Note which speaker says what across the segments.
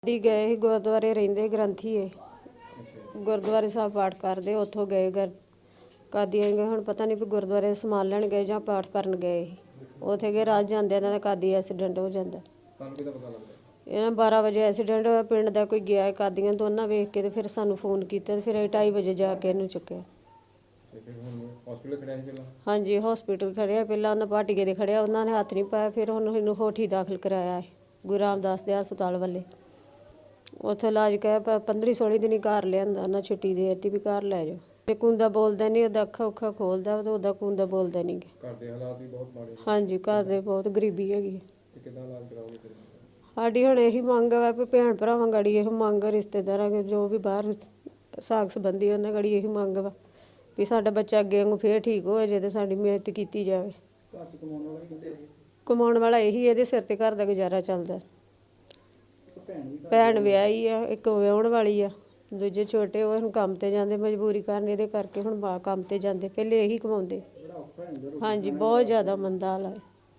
Speaker 1: ਦੀ ਗਏ ਸੀ ਗੁਰਦੁਆਰੇ ਰਹਿੰਦੇ ਗ੍ਰੰਥੀ ਏ ਗੁਰਦੁਆਰੇ ਸਾਹਿਬ ਪਾਠ ਕਰਦੇ ਉੱਥੋਂ ਗਏ ਕਾਦੀਆਂ ਗਏ। ਹੁਣ ਪਤਾ ਨਹੀਂ ਵੀ ਗੁਰਦੁਆਰੇ ਸਮਾਨ ਲੈਣ ਗਏ ਜਾਂ ਪਾਠ ਕਰਨ ਗਏ ਉੱਥੇ ਗਏ। ਰਾਤ ਜਾਂਦੇ ਇਹਨਾਂ ਦਾ ਕਾਦੀ ਐਕਸੀਡੈਂਟ ਹੋ ਜਾਂਦਾ।
Speaker 2: ਤੁਹਾਨੂੰ ਕਿਹਦਾ ਪਤਾ ਲੱਗਦਾ?
Speaker 1: ਇਹਨਾਂ 12 ਵਜੇ ਐਕਸੀਡੈਂਟ ਹੋਇਆ। ਪਿੰਡ ਦਾ ਕੋਈ ਗਿਆ ਕਾਦੀਆਂ ਦੋਨਾਂ ਵੇਖ ਕੇ ਤੇ ਫਿਰ ਸਾਨੂੰ ਫੋਨ ਕੀਤਾ ਤੇ ਫਿਰ ਅਸੀਂ 2:30 ਵਜੇ ਜਾ ਕੇ ਇਹਨੂੰ ਚੁੱਕਿਆ।
Speaker 2: ਹਸਪੀਟਲ ਖੜਿਆ ਸੀ ਪਹਿਲਾਂ?
Speaker 1: ਹਾਂਜੀ ਹਸਪੀਟਲ ਖੜਿਆ ਪਹਿਲਾਂ। ਉਹਨਾਂ ਭਾਟੀਏ ਦੇ ਖੜਿਆ, ਉਹਨਾਂ ਨੇ ਹੱਥ ਨਹੀਂ ਪਾਇਆ। ਫਿਰ ਉਹਨੂੰ ਇਹਨੂੰ ਹੋਠੀ ਦਾਖਲ ਕਰਾਇਆ ਹੈ ਗੁਰੂ ਰਾਮਦਾਸ ਦੇ ਹਸਪਤਾਲ ਵੱਲੇ। ਉੱਥੇ ਇਲਾਜ ਕਹਿ 15-16 ਦਿਨ ਹੀ ਘਰ ਲਿਆਂਦਾ ਉਹਨਾਂ। ਛੁੱਟੀ ਦੇ ਦਿੱਤੀ ਵੀ ਘਰ ਲੈ ਜਾਓ। ਤੇ ਕੁੰਦਾ ਬੋਲਦਾ ਨਹੀਂ, ਉਹਦਾ ਅੱਖਾਂ ਉੱਖਾਂ ਖੋਲਦਾ ਤੇ ਉਹਦਾ ਕੁੰਦਾ ਬੋਲਦਾ ਨਹੀਂ।
Speaker 2: ਘਰ ਦੇ ਹਾਲਾਤ ਵੀ ਬਹੁਤ ਮਾੜੇ।
Speaker 1: ਹਾਂਜੀ ਘਰ ਦੇ ਬਹੁਤ ਗਰੀਬੀ ਹੈਗੀ।
Speaker 2: ਤੇ ਕਿੱਦਾਂ ਇਲਾਜ ਕਰਾਓਗੇ ਫਿਰ?
Speaker 1: ਸਾਡੀ ਹੁਣ ਇਹੀ ਮੰਗ ਹੈ ਵੀ ਭੈਣ ਭਰਾਵਾਂ ਗੜੀ ਇਹੋ ਮੰਗ, ਰਿਸ਼ਤੇਦਾਰਾਂ ਜੋ ਵੀ ਬਾਹਰ ਸਾਕ ਸੰਬੰਧੀ ਉਹਨਾਂ ਗੜੀ ਇਹੀ ਮੰਗ ਵਾ ਵੀ ਸਾਡਾ ਬੱਚਾ ਅੱਗੇ ਵਾਂਗੂ ਫੇਰ ਠੀਕ ਹੋ ਜਾਏ ਤੇ ਸਾਡੀ ਮਿਹਨਤ ਕੀਤੀ ਜਾਵੇ।
Speaker 2: ਘਰ 'ਚ ਕਮਾਉਣ ਵਾਲਾ ਵੀ ਕਹਿੰਦੇ?
Speaker 1: ਕਮਾਉਣ ਵਾਲਾ ਇਹੀ, ਇਹਦੇ ਸਿਰ ਤੇ ਘਰ ਦਾ ਗੁਜ਼ਾਰਾ ਚੱਲਦਾ। ਭੈਣ ਵਿਆਹੀ ਆ, ਇੱਕ ਵਿਆਹੁਣ ਵਾਲੀ ਆ, ਦੂਜੇ ਛੋਟੇ ਉਹ ਹੁਣ ਕੰਮ ਤੇ ਜਾਂਦੇ ਮਜਬੂਰੀ ਕਾਰਨ। ਇਹਦੇ ਕਰਕੇ ਹੁਣ ਕੰਮ ਤੇ ਜਾਂਦੇ, ਪਹਿਲੇ ਇਹੀ ਕਮਾਉਂਦੇ। ਹਾਂਜੀ ਬਹੁਤ ਜ਼ਿਆਦਾ ਮੰਦਾ ਹਾਲ ਹੈ।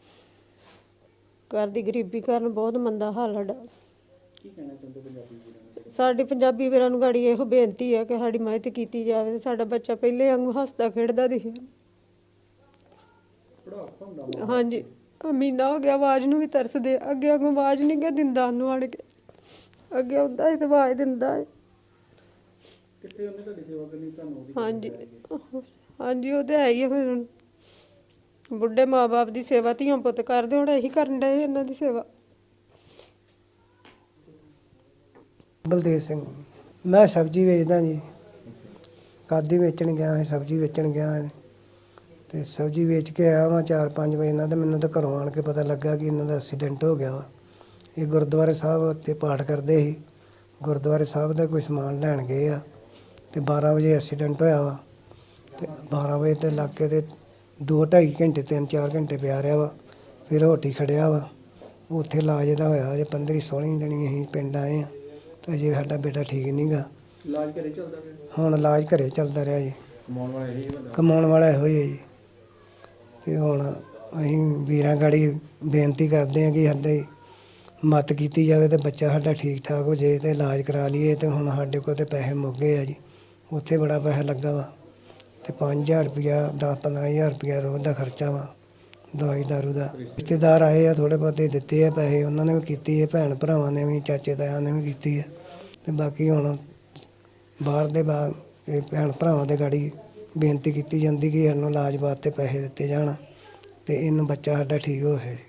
Speaker 1: ਘਰ ਦੀ ਗਰੀਬੀ ਕਾਰਨ ਬਹੁਤ ਮੰਦਾ ਹਾਲ ਸਾਡਾ।
Speaker 2: ਕੀ ਕਹਿਣਾ ਚਾਹੁੰਦੇ ਪੰਜਾਬੀ ਵੀਰਾਂ ਨੂੰ?
Speaker 1: ਸਾਡੇ ਪੰਜਾਬੀ ਵੀਰਾਂ ਨੂੰ ਗਾੜੀ ਇਹੋ ਬੇਨਤੀ ਹੈ ਕਿ ਸਾਡੀ ਮਦਦ ਕੀਤੀ ਜਾਵੇ। ਸਾਡਾ ਬੱਚਾ ਪਹਿਲੇ ਵਾਂਗੂ ਹੱਸਦਾ ਖੇਡਦਾ ਦਿਖੇ। ਹਾਂਜੀ ਮਹੀਨਾ ਹੋ ਗਿਆ, ਆਵਾਜ਼ ਨੂੰ ਵੀ ਤਰਸਦੇ। ਅੱਗੇ ਵਾਂਗੂ ਆਵਾਜ਼ ਨਹੀਂ ਗਾ ਦਿੰਦਾ ਉਹਨੂੰ ਆਣ ਕੇ। ਅੱਗੇ ਹੁੰਦਾ ਸੀ ਤੇ ਆਵਾਜ਼ ਦਿੰਦਾ ਹੈ।
Speaker 2: ਕਿੱਥੇ ਉਹਨੇ ਤੁਹਾਡੀ ਸੇਵਾ ਕਰਨੀ ਤੁਹਾਨੂੰ?
Speaker 1: ਹਾਂਜੀ ਹਾਂਜੀ ਉਹ ਤਾਂ ਹੈ ਹੀ ਆ। ਫਿਰ ਬੁੱਢੇ ਮਾਂ-ਬਾਪ ਦੀ ਸੇਵਾ ਧੀਆਂ ਪੁੱਤ ਕਰਦੇ, ਹੁਣ ਇਹੀ ਕਰਨ ਡਏ ਇਹਨਾਂ ਦੀ ਸੇਵਾ।
Speaker 3: ਬਲਦੇਵ ਸਿੰਘ, ਮੈਂ ਸਬਜ਼ੀ ਵੇਚਦਾ ਜੀ। ਕਾਦੀ ਵੇਚਣ ਗਿਆ ਸੀ, ਸਬਜ਼ੀ ਵੇਚਣ ਗਿਆ ਤੇ ਸਬਜ਼ੀ ਵੇਚ ਕੇ ਆਇਆ ਵਾਂ 4-5 ਵਜੇ ਨਾਲ। ਤੇ ਮੈਨੂੰ ਤਾਂ ਘਰੋਂ ਆਣ ਕੇ ਪਤਾ ਲੱਗਾ ਕਿ ਇਹਨਾਂ ਦਾ ਐਕਸੀਡੈਂਟ ਹੋ ਗਿਆ ਵਾ। ਇਹ ਗੁਰਦੁਆਰੇ ਸਾਹਿਬ ਉੱਤੇ ਪਾਠ ਕਰਦੇ ਸੀ। ਗੁਰਦੁਆਰੇ ਸਾਹਿਬ ਦਾ ਕੋਈ ਸਮਾਨ ਲੈਣ ਗਏ ਆ ਤੇ 12 ਵਜੇ ਐਕਸੀਡੈਂਟ ਹੋਇਆ ਵਾ। ਤੇ 12 ਵਜੇ ਤੇ ਲੱਗ ਕੇ ਤੇ 2-2.5 ਘੰਟੇ 3-4 ਘੰਟੇ ਪਿਆ ਰਿਹਾ ਵਾ। ਫਿਰ ਹੋਟੀ ਖੜਿਆ ਵਾ, ਉੱਥੇ ਇਲਾਜ ਇਹਦਾ ਹੋਇਆ। ਅਜੇ 15-16 ਦਿਨ ਅਸੀਂ ਪਿੰਡ ਆਏ ਹਾਂ ਤੇ ਅਜੇ ਸਾਡਾ ਬੇਟਾ ਠੀਕ ਨਹੀਂ ਗਾ।
Speaker 2: ਇਲਾਜ ਘਰੇ ਚੱਲਦਾ ਪਿਆ?
Speaker 3: ਹੁਣ ਇਲਾਜ ਘਰੇ ਚੱਲਦਾ ਰਿਹਾ ਜੀ।
Speaker 2: ਕਮਾਉਣ ਵਾਲਾ ਇਹੋ
Speaker 3: ਹੀ ਹੈ ਜੀ। ਤੇ ਹੁਣ ਅਸੀਂ ਵੀਰਾਂ ਗਾੜੀ ਬੇਨਤੀ ਕਰਦੇ ਹਾਂ ਕਿ ਸਾਡੇ ਮਦਦ ਕੀਤੀ ਜਾਵੇ ਤੇ ਬੱਚਾ ਸਾਡਾ ਠੀਕ ਠਾਕ ਹੋ ਜਾਏ ਤੇ ਇਲਾਜ ਕਰਾ ਲਈਏ। ਤੇ ਹੁਣ ਸਾਡੇ ਕੋਲ ਤੇ ਪੈਸੇ ਮੁੱਕ ਗਏ ਆ ਜੀ। ਉੱਥੇ ਬੜਾ ਪੈਸਾ ਲੱਗਾ ਵਾ ਤੇ 5,000 ਰੁਪਇਆ 10-15,000 ਰੁਪਇਆ ਰੋਜ਼ ਦਾ ਖਰਚਾ ਵਾ ਦਵਾਈ ਦਾਰੂ ਦਾ। ਰਿਸ਼ਤੇਦਾਰ ਆਏ ਆ, ਥੋੜ੍ਹੇ ਬਹੁਤੇ ਦਿੱਤੇ ਆ ਪੈਸੇ, ਉਹਨਾਂ ਨੇ ਵੀ ਕੀਤੀ ਹੈ। ਭੈਣ ਭਰਾਵਾਂ ਨੇ ਵੀ, ਚਾਚੇ ਤਾਇਆਂ ਨੇ ਵੀ ਕੀਤੀ ਹੈ। ਤੇ ਬਾਕੀ ਹੁਣ ਬਾਹਰ ਦੇ ਭੈਣ ਭਰਾਵਾਂ ਦੇ ਗਾੜੀ ਬੇਨਤੀ ਕੀਤੀ ਜਾਂਦੀ ਕਿ ਸਾਨੂੰ ਇਲਾਜ ਵਾਸਤੇ ਪੈਸੇ ਦਿੱਤੇ ਜਾਣ ਤੇ ਇਹਨੂੰ ਬੱਚਾ ਸਾਡਾ ਠੀਕ ਹੋਵੇ।